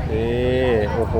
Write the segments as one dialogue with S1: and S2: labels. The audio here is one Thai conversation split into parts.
S1: นี่โอ้โห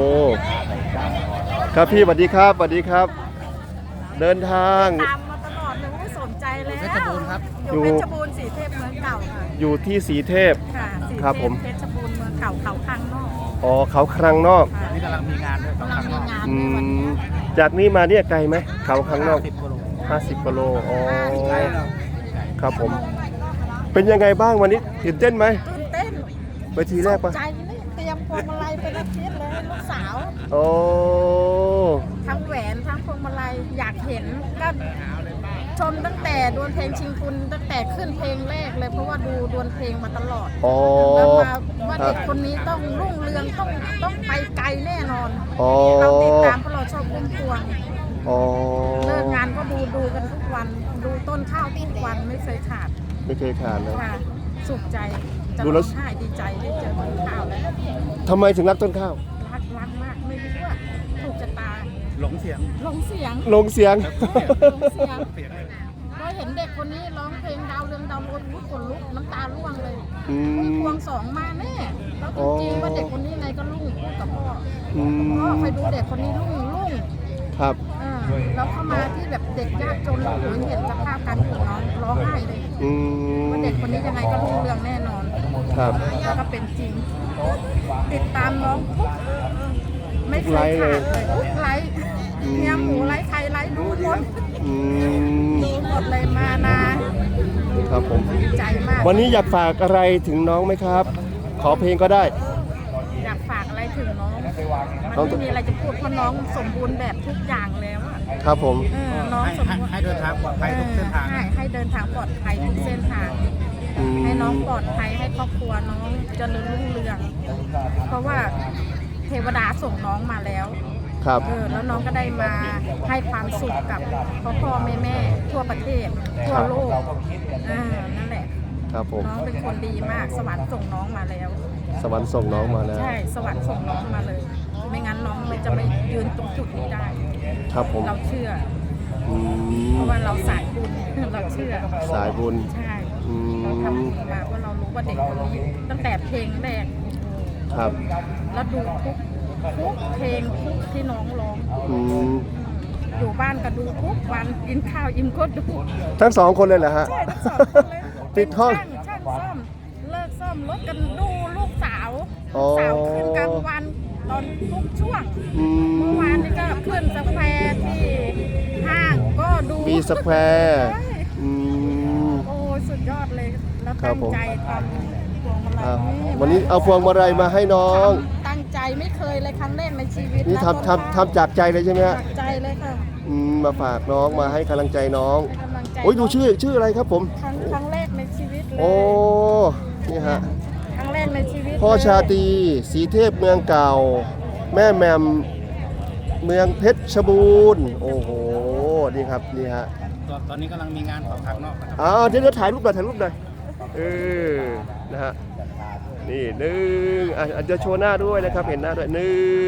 S1: ครับพี่สวัสดีครับสวัสดีครับ เดินทาง
S2: ตามมาตลอดเลยไม่สนใจแล้วเพชรบูรณ์ครับ
S1: อ
S2: อยู่ ยู่เพชรบูรณ์สีเทพเมืองเก่าค่ะ
S1: อยู่ที่สีเทพ
S2: ค่ะสีเท
S1: ครับ
S2: พ
S1: ผม
S2: เพชรบูรณ์เมืองเก่าเขาคลังนอก
S1: อ๋อเขาครังนอก
S2: ค่ะ
S3: นี่กำลังมีงานด้วย
S2: กำลังมีงาน
S1: อื
S2: ในวัน
S1: ม
S2: นี้
S1: จากนี้มาเนี่ยไกลไหมเขาครังนอก
S3: 10 กิโล
S1: 50กิโลอ๋อ
S3: ใกล้เรา
S1: ครับผม เป็นยังไงบ้างวันนี้ตื่นเต้นไหม
S2: ตื่นเต้น
S1: ไปทีแรกปะ
S2: ใจนี่เตรียมพวงมาลัยเป็นอาทิตย์เลยให้ลูกสาว
S1: โอ้
S2: ทั้งแหวนทั้งพวงมาลัยอยากเห็นก็ชมตั้งแต่ดวลเพลงชิงทุนตั้งแต่ขึ้นเพลงแรกเลยเพราะว่าดูดวลเพลงมาตลอด
S1: อ๋อ
S2: แล้วมาว่า
S1: ครั
S2: เด็
S1: บ
S2: กคนนี้ต้องรุ่งเรืองต้องไปไกลแน่นอน
S1: อ๋อ
S2: เราติดตามเพราะเราชอบพุ่มพวง
S1: อ๋อ
S2: เลิกงานก็ดูกันทุกวันดูต้นข้าวทุกวันไม่เคยขาด
S1: ไม่เคยขาดเลย
S2: ค่ะสุขใจจะ
S1: ดู
S2: ร้
S1: แล้
S2: อ
S1: ว
S2: งไห้ดีใจได้เจอต้นข้าวแล้ว
S1: ทำไมถึงรักต้นข้าว
S2: รักมากไม่รู้ว่าถูกชะตา
S3: หลงเสียง
S2: ลงเสียง
S1: ลงเสียง
S2: ลงเสียงเราเห็นเด็กคนนี้ร้องเพลงดาวเรืองดาวโรนขนลุกน้ำตาร่วงเลย
S1: อื
S2: พุ่ม
S1: ม
S2: พวงสองมาแน่แล้วจริงๆว่าเด็กคนนี้ไงก็รุ่งพูดกับพ่อ
S1: อื
S2: พ่อ
S1: ม
S2: เคยดูเด็กคนนี้รุ่ง
S1: ครับ
S2: แล้วเข้ามาที่แบบเด็กยากจนเราเห็นสภาพการอยู่น้องร้องไห้เลย
S1: อืม
S2: ว่าเด็กคนนี้ยังไงก็รุ่งเรืองแน่นอน
S1: ครับ
S2: ก็เป็นจริง ติดตามน้องทุกไม่เคยขาดเลยทุกไลฟ์เมียหมูไลฟ์ไทยไลฟ์ดูหมด
S1: อืม
S2: ดูหมดเลยมานา
S1: ครับผม
S2: ดีใจมาก
S1: วันนี้อยากฝากอะไรถึงน้องไหมครับ ขอเพลงก็ได้
S2: อยากฝากอะไรถึงน้อง
S1: น้อ
S2: มั
S1: ง
S2: นไม่มีอะไรจะพูดเพราะน้องสมบูรณ์แบบทุกอย่างแล้วอะ
S1: ครับผม
S2: น้อง
S3: ให้
S2: สมบูรณ์
S3: ให้เดินทางปลอดภัยทุกเส้นทาง
S2: ให้เดินทางปลอดภัยทุกเส้นทาง
S1: อืม
S2: ให้น้องปลอดภัยให้ครอบครัวน้องเจริญรุ่งเรือง เพราะว่าเทวดาส่งน้องมาแล้ว
S1: ครับ
S2: แล้วน้องก็ได้มาให้ความสุขกับพ่อแม่ทั่วประเทศทั่วโลกนั่นแหละ
S1: ครับผม
S2: น้องเป็นคนดีมากสวรรค์ส่งน้องมาแล้ว
S1: สวรรค์ส่งน้องมาแล้ว
S2: ใช่สวรรค์ส่งน้องมาเลย ไม่งั้นน้องมันจะไม่ยืนตรงจุดนี้ได้
S1: ครับผม
S2: เราเชื่อ
S1: อื
S2: เพ
S1: ม
S2: ราะว่าเราสายบุญ เราเชื่อ
S1: สายบุญ
S2: ใช่
S1: อื
S2: เรา
S1: ม
S2: ทำบุญมาเพราะเรารู้ว่าเด็กคนนี้ตั้งแต่เพลงแรก
S1: ครับ
S2: แล้วดูทุกเพลงทุกที่น้องร้อง
S1: อืม
S2: อยู่บ้านก็ดูทุกวันกินข้าวอิ่มก็ดู
S1: ทั้งสองคนเลยเหรอฮะ
S2: ใช่ทั้งสองคนเลย
S1: ติดห้อง
S2: ช่างซ่อมเลิกซ่อมรถกันดูลูกสาว
S1: อ๋อ
S2: ลูกสาวขึ้นกลางวันตอนทุกช่วง
S1: อื
S2: เมื่อ
S1: ม
S2: วานนี้ก็ขึ้นสแควร์ที่ห้างก็ดู
S1: มีสแควร์
S2: ใช่
S1: อืม
S2: โอ้สุดยอดเลยแล้ว
S1: ครั
S2: ตั้
S1: บ
S2: ง
S1: ผม
S2: ใจทำพวงมาลั
S1: อ่ะ
S2: ย
S1: วันนี้เอาพวงมาลัยมาให้น้อง
S2: ตั้งใจไม่เคยเลยครั้งแรกในชีวิต
S1: นี่
S2: แล้วก็
S1: ทำจากใจเลยใช่ไหมฮะ
S2: จากใจเลยค่ะ
S1: มาฝากน้องมาให้กำลังใจน้อง
S2: กำลังใจ
S1: โอ้ยดูชื่ออะไรครับผม
S2: ครั้งแรกในชีวิตเลย
S1: โอ้ นี่ฮะ
S2: ครั้งแรกในชีวิต
S1: พ่อ
S2: เลย
S1: ชาตรีสีเทพเมืองเก่า แม่แหมมเมืองเพชรบูรณ์ โอ้โห นี่ครับ นี่ฮะ
S3: ตอนนี้กำลังมีงานของทางนอกนะครับ
S1: เดี๋ยวถ่ายรูปหน่อยถ่ายรูปหน่อยนะฮะ นี่หนึ่งอาจจะโชว์หน้าด้วยนะครับ เห็นหน้าด้วย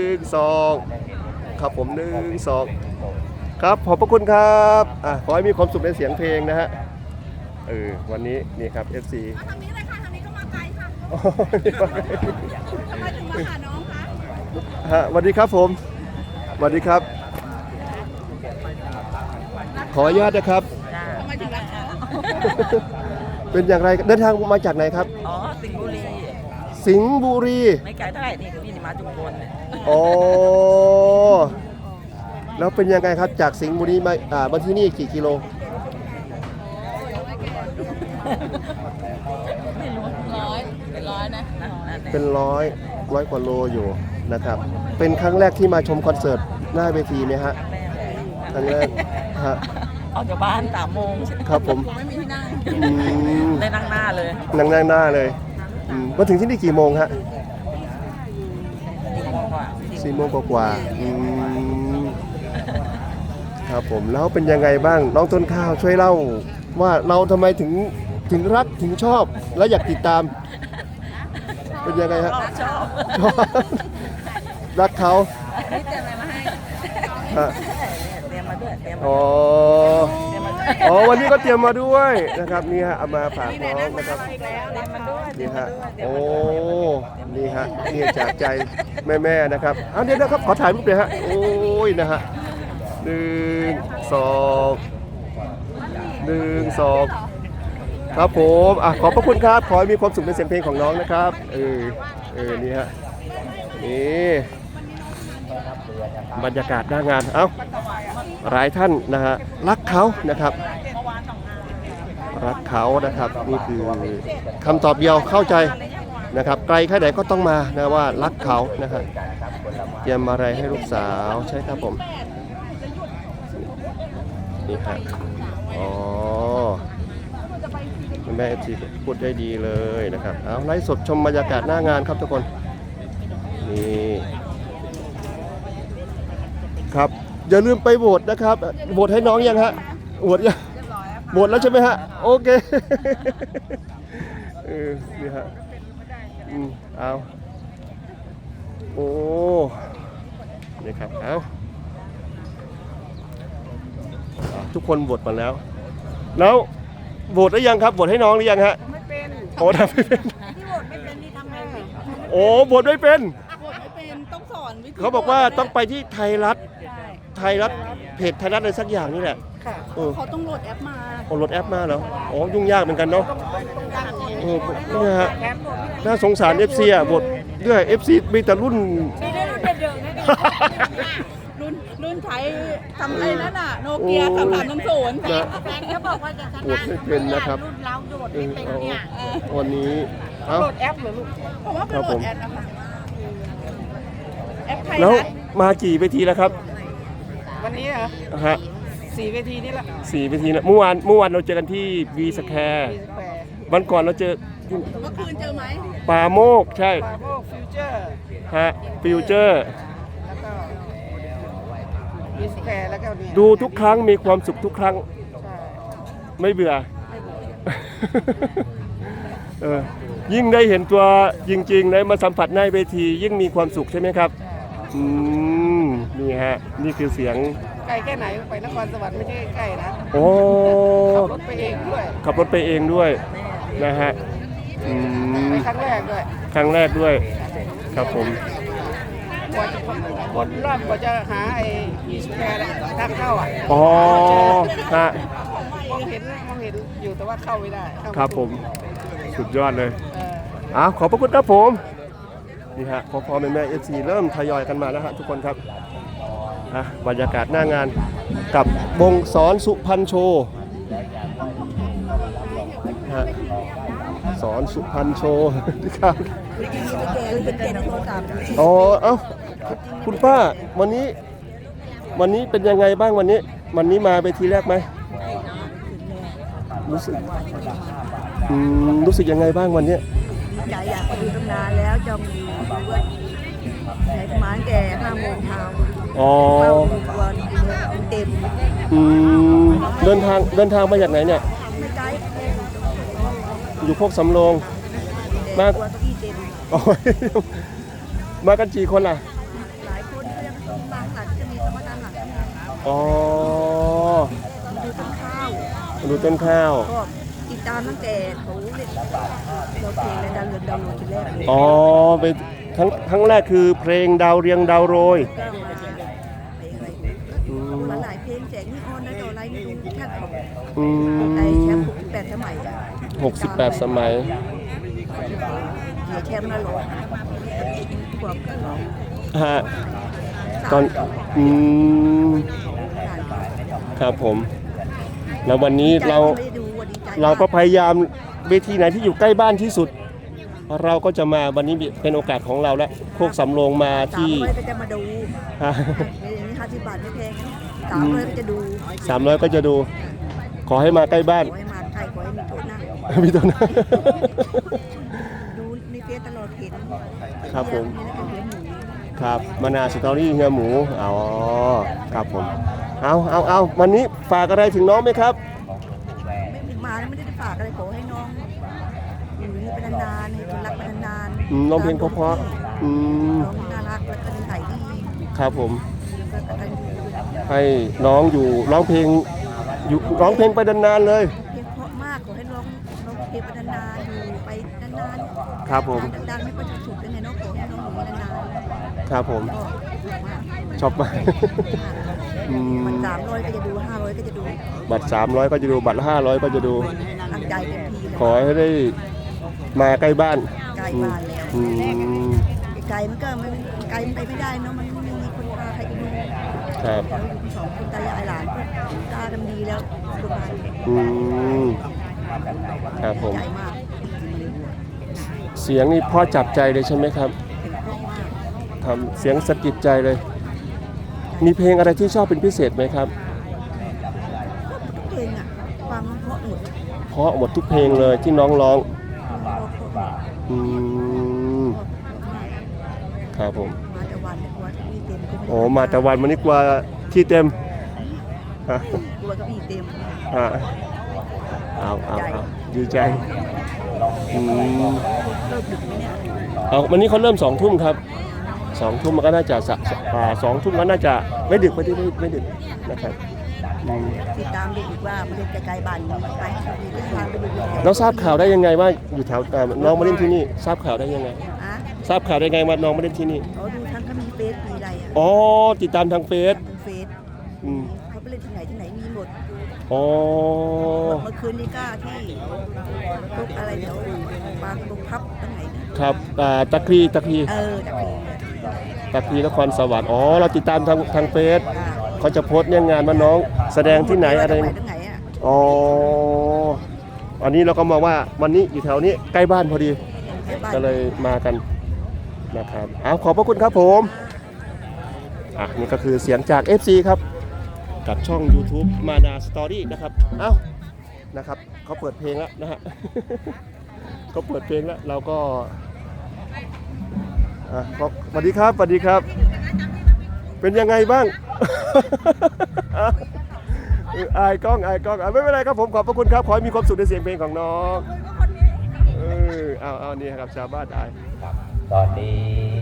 S1: 1 2ครับผม1 2ครับขอบพระคุณครับขอให้มีความสุขในเสียงเพลงนะฮะวันนี้นี่ครับ FC
S2: ทางนี้เลยค่ะทางนี้ก็มาไกลค่ะ
S1: โอ้ยมาไกล
S2: ทำไมถึงมาหาน้องคะ
S1: ฮะสวัสดีครับผมสวัสดีครับ ขออนุญาตนะครับ
S2: ทำไมถึงรักเขา
S1: เป็นอย่างไรเดินทางมาจากไหนครับ
S4: อ๋อ สิงห์บุรี
S1: สิงห์บุรี
S4: ไม่ไกลเท่าไหร่นี่คือพี่นี่มาจุมพลเนี่ย
S1: อ๋อแล้วเป็นยังไงครับจากสิงห์บุรีมาที่นี่กี่กิโล
S4: ไม่รู้เป็นร้อยนะนั่นแหละ
S1: เป็นร้อยกว่าโลอยู่นะครับ เป็นครั้งแรกที่มาชมคอนเสิร์ตหน้าเวทีไหมฮะครั้งแรกฮะ
S4: ออกจากบ้าน3 โมง
S1: ครับผม
S4: ไม่มีที่นั่ง
S1: อืม
S4: ได้นั่งหน้าเลย
S1: นั่งหน้าเลยมาถึงที่นี่กี่โมงฮะ
S4: 4 โมงกว่า
S1: 4 โมงกว่าๆครับผมแล้วเป็นยังไงบ้างน้องต้นข้าวช่วยเล่าว่าเราทำไมถึงรักถึงชอบและอยากติดตาม เป็นยังไงฮะ
S4: ชอบ
S1: ชอบรักเขา
S4: นี่เตรียมอะไรมาให้
S1: ฮะ
S4: เตรียมมาด้วยเตรียมมา
S1: อ๋อ
S4: เตรียมมาด้วย
S1: อ๋อวันนี้ก็เตรียมมาด้วยนะครับนี่ฮะเอามาฝากน้องนะครับ
S4: มันด้วย
S1: นี่ฮะโอ้นี่ฮะนี่จากใจแม่ๆนะครับเอาเดี๋ยวนะครับขอถ่ายรูปเลยฮะโอ้ยนะฮะ1 2 1 2ครับผมขอบพระคุณครับขอให้มีความสุขในเสียงเพลงของน้องนะครับนี่ฮะนี่บรรยากาศหน้างานหลายท่านนะฮะรักเขานะครับรักเขานะครับนี่คือคำตอบเดียวเข้าใจนะครับไกลแค่ไหนก็ต้องมานะว่ารักเขานะครับเตรียมอะไรให้ลูกสาวใช่ครับผมนี่ฮะอ๋อแม่เอฟซีพูดได้ดีเลยนะครับเอาไลฟ์สดชมบรรยากาศหน้างานครับทุกคนนี่ครับอย่าลืมไปโหวตนะครับโหวตให้น้องยังฮะโหวตยังโหวตแล้วใช่ไหมฮะโอเคนี่ฮะเอาโอ้นี่ครับเอาทุกคนโหวตมาแล้วโหวตได้ยังครับโหวตให้น้องหรือยังฮะ
S2: ไม่เป็น
S1: โอ้ทำไม่เป็น
S2: ที่โหวตไม่เป็นนี่ทำไง
S1: โอ้โหวตไม่เป็น
S2: โหวตไม่เป็นต้องสอนวิธี
S1: เขาบอกว่าต้องไปที่ไทยรัฐเพจไทยรัฐอะไรสักอย่างนี่แหละ
S2: ค่ะเขาต้องโหลดแอปมา
S1: โอ้โหลดแอปมาเหรออ๋อยุ่งยากเหมือนกันเนาะนี่ฮะน่าสงสาร FC อ่ะบทด้วย FC มีแต่รุ่น
S2: ไม่ได้รุ่นเดิมๆนะรุ่นใช้ทำอะไรนั่นน่ะโนเกีย3300 แฟนเขาบอกว่าจะช
S1: โหวตไม่เป็นนะครับ
S2: รุ่นเราโหลดไม่เป็นเนี่ย
S1: วันนี้เอ้า
S2: โหลดแอปเหรอลูกผมว่าเป็นโหลดแอปนะคะแอปไทย
S1: แล้ว
S2: รัฐ
S1: มากี่เวทีแล้วครับ
S2: วันนี้เหรอ
S1: ฮะ
S2: 4 เวทีนี่แหละ
S1: 4 เวทีแล้วเมื่อวานเราเจอกันที่วีสแควร์วันก่อนเราเจอ
S2: เมื่อคืนเจอไหม
S1: ป่าโมกใช่
S2: ปาโมกฟิวเจอร์
S1: ฮะฟิวเจอร์
S2: แล้วก็มีสแควร์แล้วก็เนี่ย
S1: ดูทุกครั้งมีความสุขทุกครั้ง
S2: ใช่
S1: ไม่เบื่อ ยิ่งได้เห็นตัวจริงๆได้มาสัมผัสในเวทียิ่งมีความสุขใช่ไหมครับนี่ฮะนี่คือเสียง
S2: ไกลแค่ไหนไปนครสวรรค์ไม่ใช่ใกล้นะ
S1: โอ้
S2: ขับรถไปเองด้วย
S1: ขับรถไปเองด้วยนะฮะ
S2: ไปครั้งแรกด้วย
S1: ครั้งแรกด้วยครับผม
S2: กว่าจะวนรอบกว่าจะหาไอ้มีสแควร์ทางเข้าอ่ะ
S1: อ๋อฮะ
S2: มองเห็นอยู่แต่ว่าเข้าไม่ได้เข้าไ
S1: ครับผมสุดยอดเลย
S2: เออ
S1: ขอบพระคุณครับผมนี่ฮะพอแม่เอฟซีเริ่มทยอยกันมาแล้วฮะทุกคนครับบรรยากาศหน้างานกับวงสอนสุพรรณโชว์สอนสุพรรณโชว์ครับอ๋อคุณป้าวันนี้เป็นยังไงบ้างวันนี้มาไปทีแรกไหมรู้สึกยังไงบ้างวันนี้
S5: ใจอยากไปดูตั้งนานแล้วจองดูว่าไหนประมาณแก่5 โมงเช้า
S1: อ๋อ
S5: เฝ้าดูวันเต็ม
S1: เดินทางมาจากไหนเนี่ย
S5: ไม่ไกล
S1: อยู่โคกสำโรง
S5: แต่ตัวเก้าอี้เต็ม
S1: โอ้ยมากันกี่คนล่ะ
S5: หลายคนก็ยังบางหลังจะมีสมการหลัง
S1: อ๋อ
S5: ดูต้นข้าว
S1: ดูต้นข้าว
S5: ก็ติดตามตั้งแต่เขาเล่นเราเพลงและดาวเรืองดาวโรยทีแรกเลย
S1: อ๋อไปครั้งแรกคือเพลงดาวเรียงดาวโรย
S5: ก็มาเพลงอะไรมาหลายเพลงแจกนี่ออนนะต่ออะไรไม่รู้แค่ของไอแชมป์68 สมัย
S1: 68 สมัย
S5: เดี๋ยวแชมป์มาหลอกขวบก็หลอก
S1: ฮะตอนครับผม แล้ววันนี้เราก็พยายามเวทีไหนที่อยู่ใกล้บ้านที่สุด เราก็จะมาวันนี้เป็นโอกาสของเราแล้วโคกสำโรงมาที่
S5: 300ก็จะมาดูอย่างนี้50 บาทไม่แพง300ก็จะดู
S1: 300 ก็จะดู ขอให้มาใกล้บ้าน
S5: ขอให้มาใครขอให้มีโต๊ะนั่ง
S1: มีตัวนั้น
S5: ดูในเฟซตลอดเห็น
S1: ครับผม
S5: นี่แล้วก็เห็นหมู
S1: ครับมานาสตอรี่เฮียหมูอ๋อครับผมเอาวันนี้ฝากอะไรถึงน้องไหมครับ
S5: ไม่มาแล้วไม่ได้ฝากอะไรขอให้น้องอยู่นี่เป็นนานๆให้คนรักเป็นนาน
S1: น้องเพลงเพราะๆ
S5: น้องน่ารักแล้วก็นิสัยดี
S1: ครับผม
S5: แล้วก็กตัญญู
S1: ให้น้องอยู่ร้องเพลงอยู่ร้องเพลงไปนานๆเลย
S5: เพลงเพราะมากขอให้ร้องเพลงไปนานๆอยู่ไปนานๆ
S1: ครับผม
S5: ดังๆไม่ค่อยจะถูกยังไงเนาะขอให้น้องอยู่นานๆ
S1: ครับผม
S5: ก็มาก
S1: ชอบมาก อืม
S5: มัน300ก็จะดู500ก็จะดู
S1: บัตร300ก็จะดูบัตร500ก็จะดู
S5: ตั้งใจเต็มที่เลย
S1: ขอให้ได้มาใกล้บ้าน
S5: ใกล้บ้านแล้ว
S1: อืม
S5: ไกลมันก็ไม่ไกลมันไปไม่ได้เนาะมันไม่มีคนพาใครไปดู
S1: ครับ
S5: เราอยู่สองคนตายายหลานก็ตากันดีแล้วสบาย
S1: อืมครับผม
S5: ใจมาก
S1: เสียงนี่พ่อจับใจเลยใช่ไหมครับ
S5: เป็นเพราะมาก
S1: ทำเสียงสะกิดใจเลย มีเพลงอะไรที่ชอบเป็นพิเศษไหมครับ
S5: ทุกเพลงอ่ะฟังเพราะหมด
S1: เพราะหมดทุกเพลงเลยที่น้องร้อง
S5: เพราะ
S1: อืมครับผม
S5: มาแต่วันกลัวที่เต็มก็ไม่
S1: โอ้มาแต่วันวันนี้กว่าที่เต็มฮะ
S5: กลัวเก็อีเต็ม
S1: ฮะเอาดีใจอืม
S5: เลิกดึกไหมเนี่ย
S1: เอาวันนี้เขาเริ่ม2 ทุ่มครับ2 ทุ่มมันก็น่าจะ2 ทุ่มก็น่าจะไม่ดึกไม่ดึกนะครับอืม
S5: ติดตามดูอีกว่ามันเป็นไกลๆบ้านนี้ไปมีทิศทางไปดูอยู่แถว
S1: เราทราบข่าวได้ยังไงว่าอยู่แถวน้องมาเล่นที่นี่ทราบข่าวได้ยังไง
S5: อ่ะ
S1: ทราบข่าวได้ไงว่าน้องมาเล่นที่นี่
S5: เขาดูทั้งเขามีเฟซมีอะไรอ่ะ
S1: อ๋อติดตามทางเฟซ
S5: ทางเฟซ
S1: อืม
S5: เขาไปเล่นที่ไหนมีหมด
S1: อ๋อ
S5: เมื่อคืนนี้ก็ที่ทุกอะไรแถวบางตรงพับตรงไหนนะครับ
S1: ตะครี
S5: จากนี้
S1: ตะครีนครสวรรค์อ๋อเราติดตามทางเฟซ
S5: อ่า
S1: เขาจะโพสต์เนี่ยงานว่าน้องแสดงที่ไหนอะไร
S5: ตรงไหนอ่ะ
S1: อ๋ออันนี้เราก็มองว่าวันนี้อยู่แถวนี้ใกล้บ้านพอดี
S5: แถวบ้าน
S1: ก็เลยมากันนะครับเอาขอบพระคุณครับผมนี่ก็คือเสียงจาก FC ครับกับช่อง YouTube มานาสตอรี่นะครับเอ้านะครับเขาเปิดเพลงแล้วนะฮ ะ เขาเปิดเพลงแล้วเราก็สวัสดีครับสวัสดีครับ เป็นยังไงบ้าง อายกล้องไม่เป็นไรครับผมขอบพระคุณครับขอให้มีความสุขในเสียงเพลงของน้องเอานี่ครับชาวบ้านอาย
S6: ตอนนี้